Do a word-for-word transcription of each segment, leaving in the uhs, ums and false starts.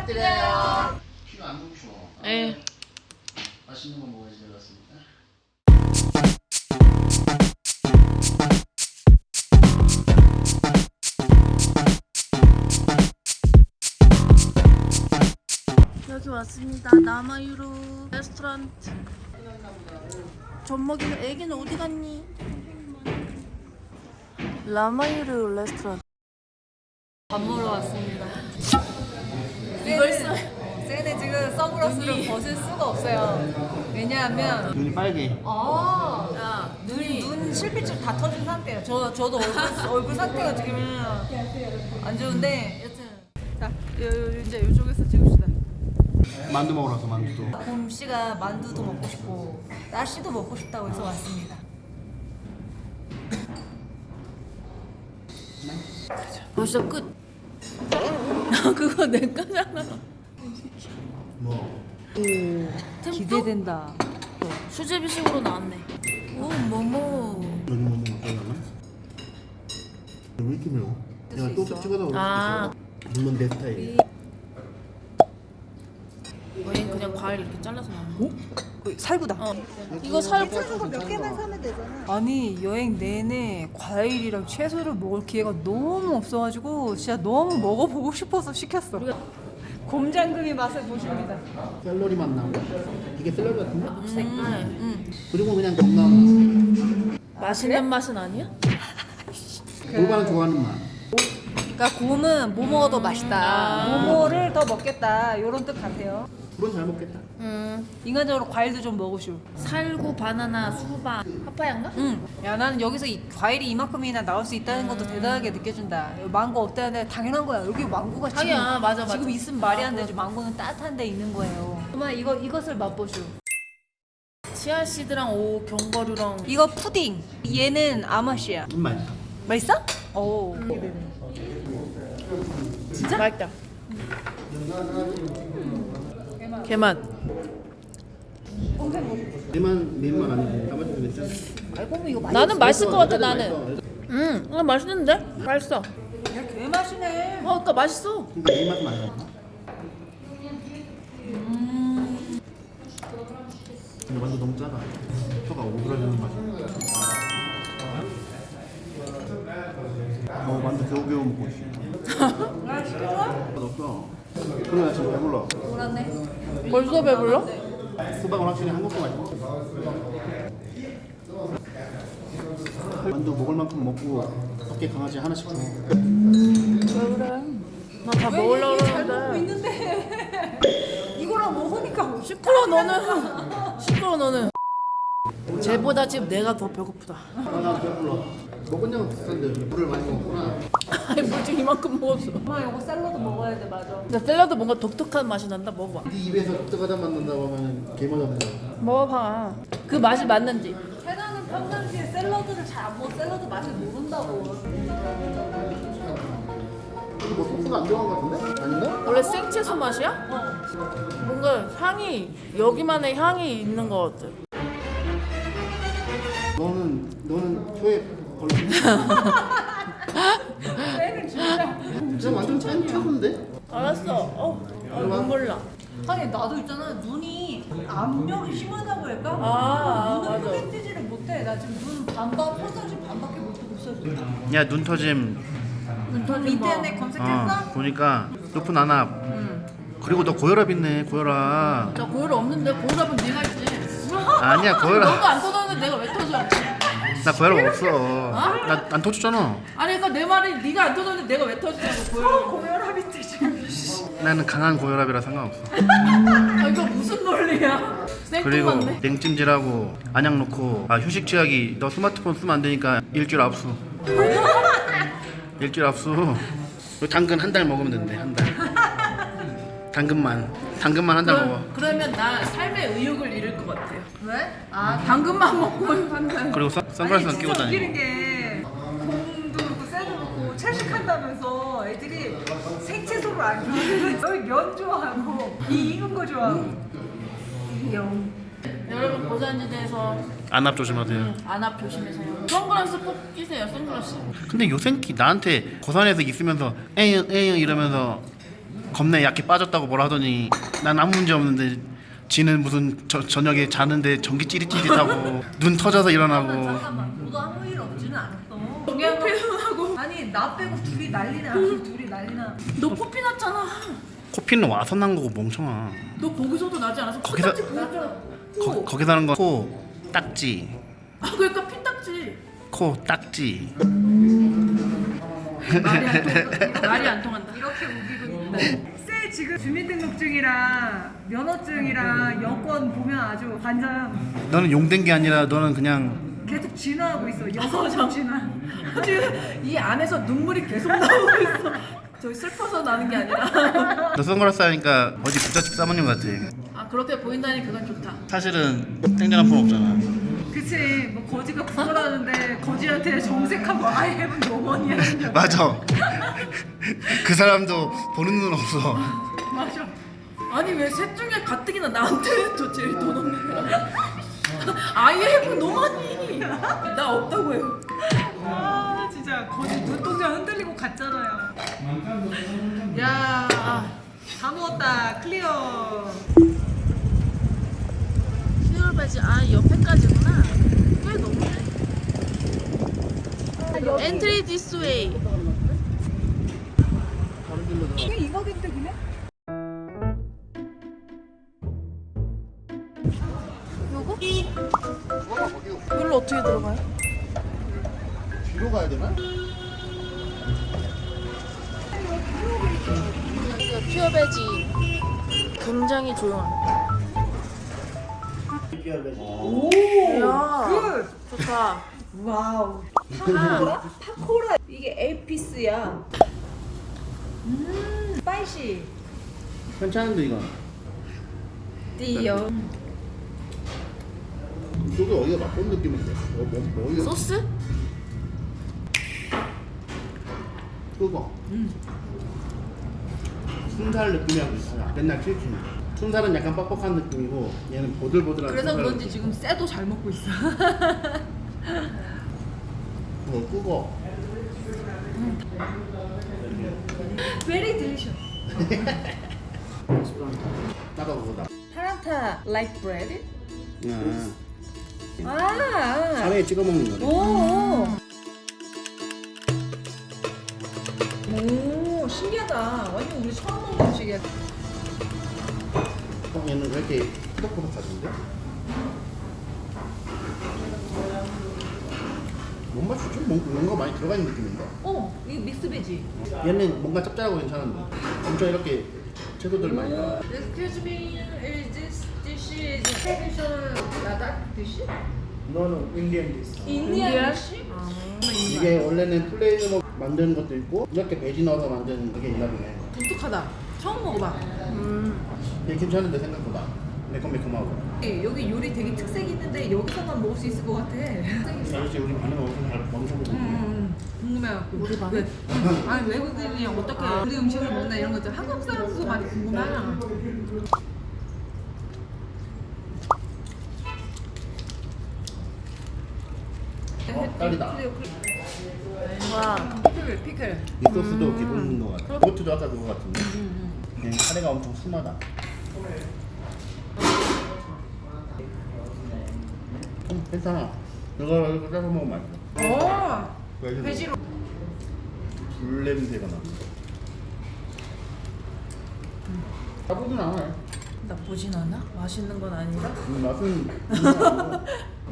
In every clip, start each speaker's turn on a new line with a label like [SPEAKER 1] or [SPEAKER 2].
[SPEAKER 1] 부탁드려요.
[SPEAKER 2] 피가 안 멈춰.
[SPEAKER 1] 네.
[SPEAKER 2] 맛있는 거 먹어야지 되겠습니다.
[SPEAKER 1] 여기 왔습니다. 남아유로 레스토랑트. 젖 먹이는 애기는 어디 갔니? 라마유로 레스토랑. 밥 먹으러 왔습니다. 이걸 써.
[SPEAKER 3] 쟤네 지금 선글라스를 벗을 수가 없어요. 왜냐하면
[SPEAKER 2] 눈이 빨개.
[SPEAKER 3] 아,
[SPEAKER 1] 야,
[SPEAKER 3] 눈, 눈 실핏줄 다 터진 상태예요. 저, 저도 얼굴, 얼굴 상태가 지금 안 좋은데 여튼 자, 요, 요, 이제 이쪽에서 찍읍시다.
[SPEAKER 2] 만두 먹으러 왔어, 만두도.
[SPEAKER 3] 봄 씨가 만두도 먹고 싶고 나씨도 먹고 싶다고 해서 왔습니다.
[SPEAKER 1] 벌써 끝. 그거 내 거잖아.
[SPEAKER 2] 뭐?
[SPEAKER 3] 기대된다.
[SPEAKER 1] 수제비식으로 나왔네. 오, 뭐뭐.
[SPEAKER 2] 여기 뭐 먹으려나? 왜 이렇게 매워? 내가 또 찍어서 그럴 수도
[SPEAKER 1] 아.
[SPEAKER 2] 있어. 물론 내 스타일이야.
[SPEAKER 1] 여행 그냥 과일 이렇게 잘라서 나온 거.
[SPEAKER 3] 살구다.
[SPEAKER 1] 어. 이거 살
[SPEAKER 3] 몇 개만 사면 되잖아. 아니 여행 내내 과일이랑 채소를 먹을 기회가 너무 없어가지고 진짜 너무 먹어보고 싶어서 시켰어. 곰장금이 맛을 보십니다.
[SPEAKER 2] 샐러리 맛 나고. 이게 샐러리 같은데?
[SPEAKER 1] 색깔. 응.
[SPEAKER 2] 그리고 그냥 건강
[SPEAKER 1] 맛있는 맛은 아니야?
[SPEAKER 2] 맛. 골반은 좋아하는 맛.
[SPEAKER 3] 그러니까 곰은 뭐 먹어도 맛있다. 뭐뭐를 더 먹겠다. 이런 뜻 같아요.
[SPEAKER 2] 불은 잘 먹겠다.
[SPEAKER 1] 음.
[SPEAKER 3] 인간적으로 과일도 좀 먹으슈.
[SPEAKER 1] 살구, 바나나, 수박, 파파야인가?
[SPEAKER 3] 응. 야 나는 여기서 이 과일이 이만큼이나 나올 수 있다는 것도 대단하게 느껴진다. 망고 없다는데 당연한 거야. 여기 망고가 지금
[SPEAKER 1] 자기야, 맞아, 맞아.
[SPEAKER 3] 지금 있으면 말이 안 되죠. 망고는 따뜻한 데 있는 거예요. 그러면 이거 이것을 맛보슈.
[SPEAKER 1] 치아씨드랑 오 견과류랑.
[SPEAKER 3] 이거 푸딩. 얘는 아마시야.
[SPEAKER 2] 좀 맛있어.
[SPEAKER 3] 맛있어? 오.
[SPEAKER 1] 진짜? 맛있다. 개맛.
[SPEAKER 2] 내만 내만 아니고 나머지도 괜찮아.
[SPEAKER 3] 알고 보면 이거 맛있어.
[SPEAKER 1] 나는 맛있을 것 같아,
[SPEAKER 2] 맛있어.
[SPEAKER 1] 나는. 음, 음 맛있는데? 맛있어.
[SPEAKER 3] 개 맛이네.
[SPEAKER 1] 어, 그러니까 맛있어.
[SPEAKER 2] 근데 이 맛은 아니야. 근데 완전 너무 짜다. 혀가 오그라드는 맛이야. 어, 완전 겨우겨우 먹고 있어.
[SPEAKER 3] 아 진짜?
[SPEAKER 2] 없어. 그래 나 지금 배불러.
[SPEAKER 3] 몰랐네.
[SPEAKER 1] 벌써 배불러?
[SPEAKER 2] 수박은 확실히 한국 거 맛있어. 만두 먹을 만큼 먹고 밖에 강아지 하나씩 줘.
[SPEAKER 1] 왜 그래? 나 다 먹으려고
[SPEAKER 3] 잘 먹고
[SPEAKER 1] 그러는데.
[SPEAKER 3] 있는데 이거랑 먹으니까
[SPEAKER 1] 시끄러워, 너는. 시끄러워, 너는. 쟤보다 지금 내가 더 배고프다.
[SPEAKER 2] 아 배불러. 먹은 양은 비슷한데 물을 많이 먹었구나.
[SPEAKER 1] 아니, 물 지금 이만큼 먹었어.
[SPEAKER 3] 엄마 이거 샐러드 먹어야 돼 맞아.
[SPEAKER 1] 근데 샐러드 뭔가 독특한 맛이 난다. 먹어봐.
[SPEAKER 2] 네 입에서 뜨거다 만든다고 하면 개맛없네.
[SPEAKER 1] 먹어봐. 그 맛이 맞는지.
[SPEAKER 3] 태나는 평상시에 샐러드를 잘 안 먹어. 샐러드 맛을 모른다고.
[SPEAKER 2] 뭐 소스가 안 들어간 것 같은데? 아닌가?
[SPEAKER 1] 원래 생채소 맛이야?
[SPEAKER 3] 어.
[SPEAKER 1] 뭔가 향이, 여기만의 향이 있는 것 같아.
[SPEAKER 2] 너는 너는 혀에 걸리네.
[SPEAKER 3] 쟤는 진짜.
[SPEAKER 2] 진짜 완전 짠 차던데?
[SPEAKER 1] 알았어. 어, 어 눈물 나.
[SPEAKER 3] 아니 나도 있잖아 눈이 압력이 심하다고 할까?
[SPEAKER 1] 아,
[SPEAKER 3] 눈을
[SPEAKER 1] 맞아.
[SPEAKER 3] 크게 뜨지를 못해. 나 지금 눈 반박 평상시 반밖에 못 뜨고 있어.
[SPEAKER 2] 야 눈 터짐.
[SPEAKER 3] 인터넷 검색했어?
[SPEAKER 2] 어 보니까 높은 안압. 그리고 너 고혈압 있네 고혈압.
[SPEAKER 1] 나 고혈압 없는데 고혈압은 네가 있지.
[SPEAKER 2] 아니야
[SPEAKER 1] 너도
[SPEAKER 2] 고혈압.
[SPEAKER 1] 안 터졌는데 내가 왜 터져?
[SPEAKER 2] 나 고혈압 없어. 나 안 터졌잖아.
[SPEAKER 1] 아니 그러니까 내 말이 네가 안 터졌는데 내가 왜 터지냐고 고혈압.
[SPEAKER 3] 고혈압이 지금.
[SPEAKER 2] 나는 강한 고혈압이라 상관없어.
[SPEAKER 1] 아 이거 무슨 논리야?
[SPEAKER 2] 그리고
[SPEAKER 1] 생뚱맞네.
[SPEAKER 2] 냉찜질하고 안약 놓고 아 휴식 취하기 너 스마트폰 쓰면 안 되니까 일주일 압수. 일주일 압수. 너 당근 한 달 먹으면 된대 한 달. 당근만 당근만 한 달 먹어.
[SPEAKER 1] 그러면 나 삶의 의욕을 잃을 것 같아요.
[SPEAKER 3] 왜?
[SPEAKER 1] 아 당근만 먹고 한다.
[SPEAKER 2] 그리고 선- 선글라스만 끼고 다니고.
[SPEAKER 3] 웃기는 게 곰도 그렇고 쌀도 그렇고 채식한다면서 애들이 생채소를 안 좋아해. 여기 면 좋아하고 이 익은 거 좋아하고. 영.
[SPEAKER 1] 여러분 고산지대에서
[SPEAKER 2] 안압 조심하세요.
[SPEAKER 1] 안압 조심하세요. 선글라스 꼭 끼세요. 선글라스.
[SPEAKER 2] 근데 요생키 나한테 고산에서 있으면서 에잉 에잉 이러면서 겁내 약해 빠졌다고 뭐라 하더니 난 아무 문제 없는데 지는 무슨 저, 저녁에 자는데 전기 찌릿찌릿하고 눈 터져서 일어나고.
[SPEAKER 3] 잠깐만, 너도 아무 일 없지는 않았어. 중요한 건 하고 아니 나 빼고 둘이 난리나. 둘이 난리나.
[SPEAKER 1] 너 코피 났잖아.
[SPEAKER 2] 코피는 와서 난 거고 멍청아.
[SPEAKER 1] 너 거기서도 나지 않았어?
[SPEAKER 2] 거기서-
[SPEAKER 1] 피딱지 보였잖아.
[SPEAKER 2] 거, 거기 사는 거 코 딱지
[SPEAKER 1] 아 그러니까 피딱지.
[SPEAKER 2] 코 딱지.
[SPEAKER 1] 말이 안 통한다. 말이 안 통한다.
[SPEAKER 3] 이렇게 우기고 있다. 쎄 지금 주민등록증이랑 면허증이랑 여권 보면 아주 완전
[SPEAKER 2] 너는 용된 게 아니라 너는 그냥
[SPEAKER 3] 계속 진화하고 있어. 여성 진화.
[SPEAKER 1] 지금 이 안에서 눈물이 계속 나오고 있어. 저기 슬퍼서 나는 게 아니라.
[SPEAKER 2] 너 선글라스 하니까 어디 부잣집 사모님 같아.
[SPEAKER 1] 아 그렇게 보인다니 그건 좋다.
[SPEAKER 2] 사실은 땡전한 폰 없잖아.
[SPEAKER 3] 그치 뭐 거지가 구걸하는데 거지한테 정색하고 I have no money.
[SPEAKER 2] 맞아. 그 사람도 보는 눈 없어.
[SPEAKER 3] 맞아.
[SPEAKER 1] 아니 왜 셋 중에 가뜩이나 나한테 더 제일 돈 없는 거야? 아이에프 너무하니. 나 없다고 해요.
[SPEAKER 3] 아 진짜 거지 눈동자 흔들리고 갔잖아요. 야, 다 먹었다. 클리어.
[SPEAKER 1] 휴일 배지 아 옆에까지구나. 꽤 넘네. 엔트리 디스 웨이.
[SPEAKER 3] 이게 이거 댕댕이네?
[SPEAKER 1] 요거? 여기로 어떻게 들어가요?
[SPEAKER 2] 뒤로 가야 되나?
[SPEAKER 1] 여기가 퓨어 배지. 굉장히 조용합니다.
[SPEAKER 3] 오,
[SPEAKER 1] 이야.
[SPEAKER 3] 굿.
[SPEAKER 1] 좋다.
[SPEAKER 3] 와우. 파코라? 파코라. 이게 에이피스야. 음, 스파이시.
[SPEAKER 2] 괜찮은데 이거.
[SPEAKER 3] 띠요.
[SPEAKER 2] 이게 어디가 맛본 느낌인데? 어, 뭐, 뭐, 어디가
[SPEAKER 1] 소스?
[SPEAKER 2] 뜨거. 순살 느낌이랑 비슷하냐? 맨날 칠킨. 순살은 약간 뻑뻑한 느낌이고 얘는 보들보들한.
[SPEAKER 3] 그래서
[SPEAKER 2] 순살
[SPEAKER 3] 그런지
[SPEAKER 2] 느낌.
[SPEAKER 3] 지금 쇠도 잘 먹고 있어.
[SPEAKER 2] 어, 뜨거.
[SPEAKER 3] Very delicious.
[SPEAKER 2] 따가 그거다.
[SPEAKER 3] 파란타 like bread?
[SPEAKER 2] 아,
[SPEAKER 3] 아.
[SPEAKER 2] 카레에 찍어 먹는 거래.
[SPEAKER 3] 오. 오, 신기하다. 완전 우리 처음 먹는 음식이야.
[SPEAKER 2] 어, 얘는 왜 이렇게 푸덕푸덕하던데? 뭔 맛이지? 뭔- 뭔가 많이 들어가 있는 느낌인데?
[SPEAKER 3] 어, 이거 믹스베지.
[SPEAKER 2] 얘는 뭔가 짭짤하고 괜찮은데 엄청 이렇게 채소들 많이 나와.
[SPEAKER 3] Excuse me, is this dish is traditional Ladakh dish?
[SPEAKER 2] No, no, Indian dish.
[SPEAKER 3] Indian dish?
[SPEAKER 2] 이게 원래는 플레인으로 만드는 것도 있고 이렇게 베지 넣어서 만드는 그게 있나 보네.
[SPEAKER 3] 독특하다. 처음 먹어봐.
[SPEAKER 2] 이게 괜찮은데 생각보다 매콤매콤하고.
[SPEAKER 3] 예, 여기 요리 되게 특색이 있는데 여기서만 먹을 수 있을 것 같아.
[SPEAKER 2] 아저씨 우리 반응 엄청 잘 멈춰보고
[SPEAKER 3] 음, 궁금해갖고. 우리 왜? 아니 외국인이 어떻게 우리 음식을 먹나 이런 거 있잖아. 한국 사람들도 많이 궁금하잖아.
[SPEAKER 2] 어, 딸이다.
[SPEAKER 1] 와.
[SPEAKER 3] 피클, 피클.
[SPEAKER 2] 이 소스도 기본인 것 같아. 그것도 아까 그거 같은데. 그냥 카레가 엄청 순하다. 음, 괜찮아. 이거 이거 짜서 먹으면 맛있어.
[SPEAKER 3] 오, 베지로.
[SPEAKER 2] 불 냄새가 나. 나쁘진 않아.
[SPEAKER 1] 나쁘진 않아? 맛있는 건 아니라?
[SPEAKER 2] 음, 맛은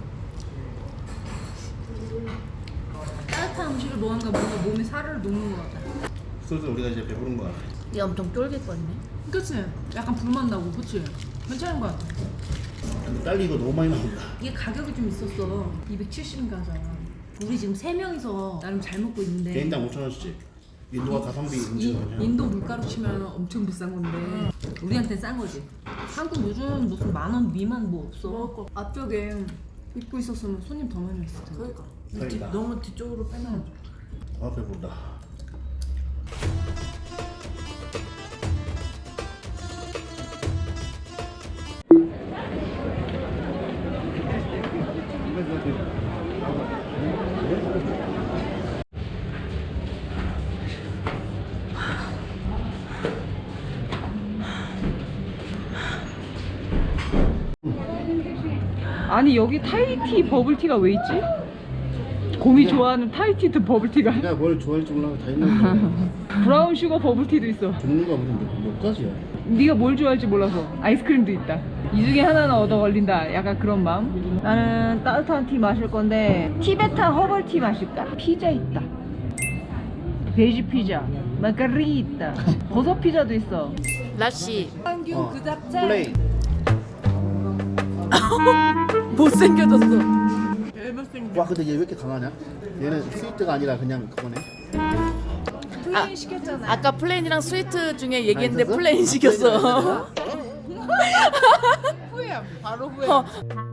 [SPEAKER 3] 따뜻한 음식을 먹으니까 뭔가 몸에 살을 녹는 것 같아.
[SPEAKER 2] 소스 우리가 이제 배부른 것 같아.
[SPEAKER 1] 얘 엄청 쫄깃거리네.
[SPEAKER 3] 그치? 약간 불맛 나고, 그치? 괜찮은 것 같아.
[SPEAKER 2] 근데 딸기 이거 너무 많이 나온다.
[SPEAKER 3] 이게 가격이 좀 있었어. 이백칠십인가 하잖아. 우리 지금 세 명이서 나름 잘 먹고 있는데.
[SPEAKER 2] 개인당 오천 원씩. 인도가 가성비
[SPEAKER 3] 이,
[SPEAKER 2] 인증.
[SPEAKER 3] 인도 물가로 치면 엄청 비싼 건데 우리한테 싼 거지. 한국 요즘 무슨 만 원 미만 뭐 없어.
[SPEAKER 1] 먹을 거.
[SPEAKER 3] 앞쪽에 입고 있었으면 손님 더 많이 왔을 텐데.
[SPEAKER 1] 그러니까.
[SPEAKER 2] 그러니까.
[SPEAKER 1] 뒤- 너무 뒤쪽으로 빼면.
[SPEAKER 2] 아 배부르다.
[SPEAKER 3] 아니 여기 타이티 버블티가 왜 있지? 곰이 좋아하는 타이티드 버블티가.
[SPEAKER 2] 내가 뭘 좋아할지 몰라서 다 있는 거야.
[SPEAKER 3] 브라운 슈거 버블티도 있어.
[SPEAKER 2] 종류가 무슨 몇, 몇 가지야?
[SPEAKER 3] 네가 뭘 좋아할지 몰라서. 아이스크림도 있다. 이 중에 하나는 얻어 걸린다. 약간 그런 마음. 나는 따뜻한 티 마실 건데 티베탄 허벌 티 마실까? 피자 있다. 베지 피자, 마카리타, 버섯 피자도 있어.
[SPEAKER 1] 라씨
[SPEAKER 2] 어, 플레이.
[SPEAKER 1] 못생겨졌어.
[SPEAKER 2] 와 근데 얘 왜 이렇게 강하냐? 얘는 스위트가 아니라 그냥 그거네.
[SPEAKER 3] 플레인 시켰잖아.
[SPEAKER 1] 아까 플레인이랑 스위트 중에 얘기했는데
[SPEAKER 2] 있었어?
[SPEAKER 1] 플레인 시켰어.
[SPEAKER 3] 후회. 바로 후회.
[SPEAKER 1] 어,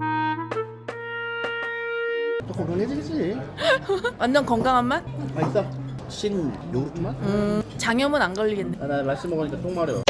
[SPEAKER 2] 또 건강해지겠지.
[SPEAKER 1] 완전 건강한 맛?
[SPEAKER 2] 맛있어. 신 요구르트 맛?
[SPEAKER 1] 음, 장염은 안 걸리겠네.
[SPEAKER 2] 아, 나 라시 먹으니까 똥 마려.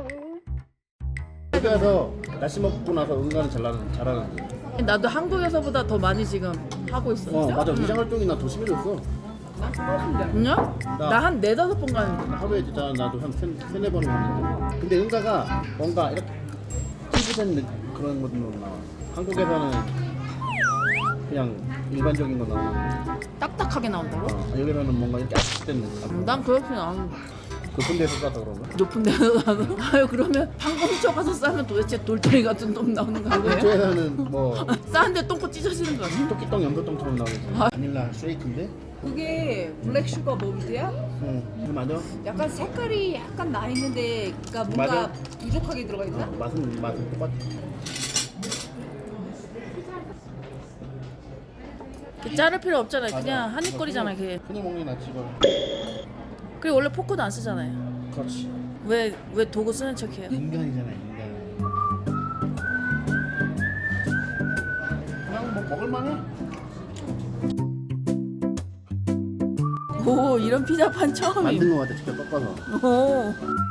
[SPEAKER 2] 여기 와서 라시 먹고 나서 응가는 잘하는 잘하는데.
[SPEAKER 1] 나도 한국에서보다 더 많이 지금 하고 있어.
[SPEAKER 2] 어 맞아 위장 활동이 나 더 심해졌어.
[SPEAKER 1] 그냥? 나 한 네다섯 번 가는데.
[SPEAKER 2] 나 하루에 진짜 나도 한 세, 세네 번은 가는데. 근데 응가가 뭔가 이렇게 피부된 느- 그런 것도 나와. 한국에서는 그냥 일반적인 거 나와.
[SPEAKER 1] 딱딱하게 나온다고?
[SPEAKER 2] 어, 여기서는 뭔가 이렇게 압축된 느낌.
[SPEAKER 1] 음, 난 그렇진 않은데.
[SPEAKER 2] 높은 데서 싸서 그런가?
[SPEAKER 1] 높은 데서 가서 아유 그러면 항공처 가서 싸면 도대체 돌덩이 같은 똥 나오는 거 아니에요?
[SPEAKER 2] 이쪽에서는 뭐
[SPEAKER 1] 싸는데 똥꼬 찢어지는 거 아니야?
[SPEAKER 2] 토끼똥, 염소똥처럼 나오겠지.
[SPEAKER 1] 아.
[SPEAKER 2] 바닐라 쉐이크인데?
[SPEAKER 3] 그게 블랙 슈거 버블티야?
[SPEAKER 2] 응, 그 맞아.
[SPEAKER 3] 약간 색깔이 약간 나 있는데 그러니까 뭔가
[SPEAKER 2] 맞아.
[SPEAKER 3] 부족하게 들어가 있나?
[SPEAKER 2] 어, 맛은 맛은 똑같아.
[SPEAKER 1] 그 자를 필요 없잖아. 그냥 한입거리잖아. 걔.
[SPEAKER 2] 그냥 먹는 게 낫지 이거.
[SPEAKER 1] 그리고 원래 포크도 안 쓰잖아요.
[SPEAKER 2] 그렇지.
[SPEAKER 1] 왜 왜 도구 쓰는 척해요?
[SPEAKER 2] 인간이잖아 인간. 그냥 뭐 먹을만해.
[SPEAKER 1] 오 이런 피자판 처음이에요.
[SPEAKER 2] 만든 거 같아 직접 꺾어서.
[SPEAKER 1] 오.